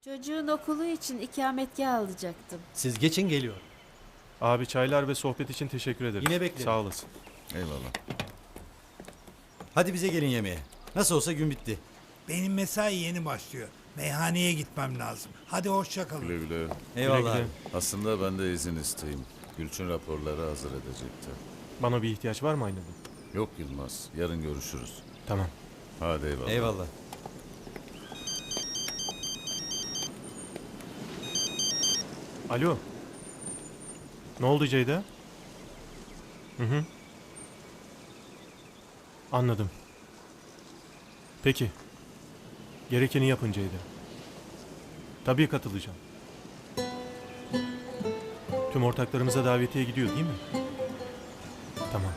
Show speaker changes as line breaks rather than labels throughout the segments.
Çocuğun okulu için ikametgah alacaktım.
Siz geçin, geliyor.
Abi çaylar ve sohbet için teşekkür ederim.
Yine beklerim.
Sağ olasın.
Eyvallah.
Hadi bize gelin yemeğe. Nasıl olsa gün bitti.
Benim mesai yeni başlıyor. Meyhaneye gitmem lazım. Hadi hoşça
Güle
kalın.
güle.
Eyvallah.
Güle güle.
abi.
Aslında ben de izin isteyeyim. Gülçin raporları hazır edecekti.
Bana bir ihtiyaç var mı Aydın?
Yok Yılmaz. Yarın görüşürüz.
Tamam.
Hadi eyvallah.
Eyvallah.
Alo. Ne oldu Ceyda? Hı. Anladım. Peki. Gerekeni yapın Ceyda. Tabii katılacağım. Tüm ortaklarımıza davetiye gidiyor değil mi? Tamam.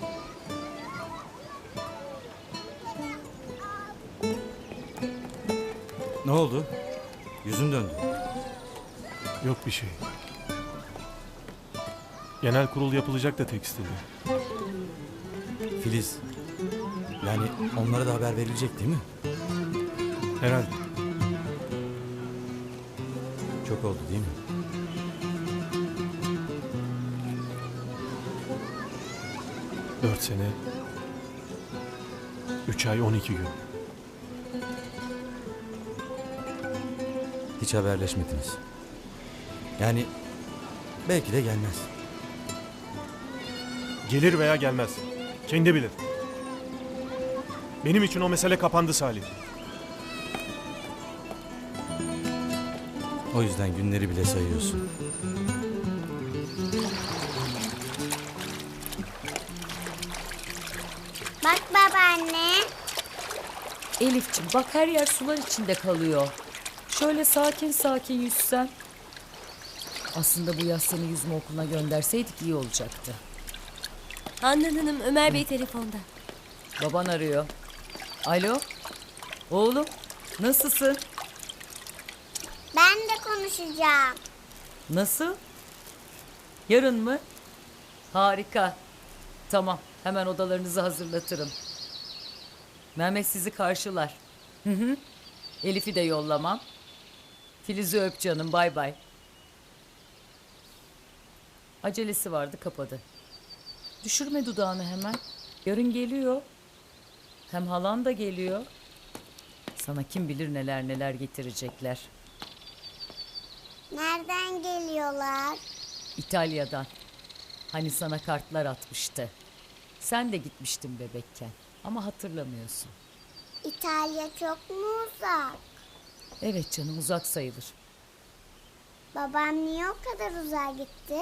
Ne oldu? Yüzün döndü.
Yok bir şey. Genel kurul yapılacak da tekstilde.
Filiz. Yani onlara da haber verilecek değil mi?
Herhalde.
Çok oldu değil mi?
Dört sene. 3 ay 12 gün.
Hiç haberleşmediniz. Yani belki de gelmez.
Gelir veya gelmez. Kendi bilir. Benim için o mesele kapandı Salih.
O yüzden günleri bile sayıyorsun.
Bak babaanne.
Elif'ciğim bak her yer sular içinde kalıyor. Şöyle sakin sakin yüzsen. Aslında bu yaz seni yüzme okuluna gönderseydik iyi olacaktı.
Handan Hanım, Ömer Bey telefonda.
Baban arıyor. Alo? Oğlum nasılsın?
Ben de konuşacağım.
Nasıl? Yarın mı? Harika. Tamam hemen odalarınızı hazırlatırım. Mehmet sizi karşılar. Hı. Elif'i de yollamam. Filiz'i öp canım, bay bay. Acelesi vardı, kapadı. Düşürme dudağını hemen. Yarın geliyor. Hem halan da geliyor. Sana kim bilir neler neler getirecekler.
Nereden geliyorlar?
İtalya'dan. Hani sana kartlar atmıştı. Sen de gitmiştin bebekken. Ama hatırlamıyorsun.
İtalya çok mu uzak?
Evet canım, uzak sayılır.
Babam niye o kadar uzağa gitti?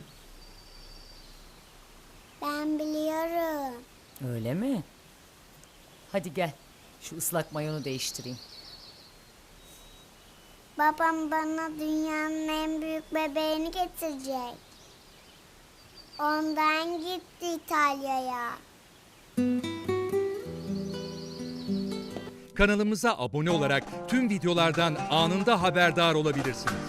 Ben biliyorum.
Öyle mi? Hadi gel. Şu ıslak mayonu değiştireyim.
Babam bana dünyanın en büyük bebeğini getirecek. Ondan gitti İtalya'ya.
Kanalımıza abone olarak tüm videolardan anında haberdar olabilirsiniz.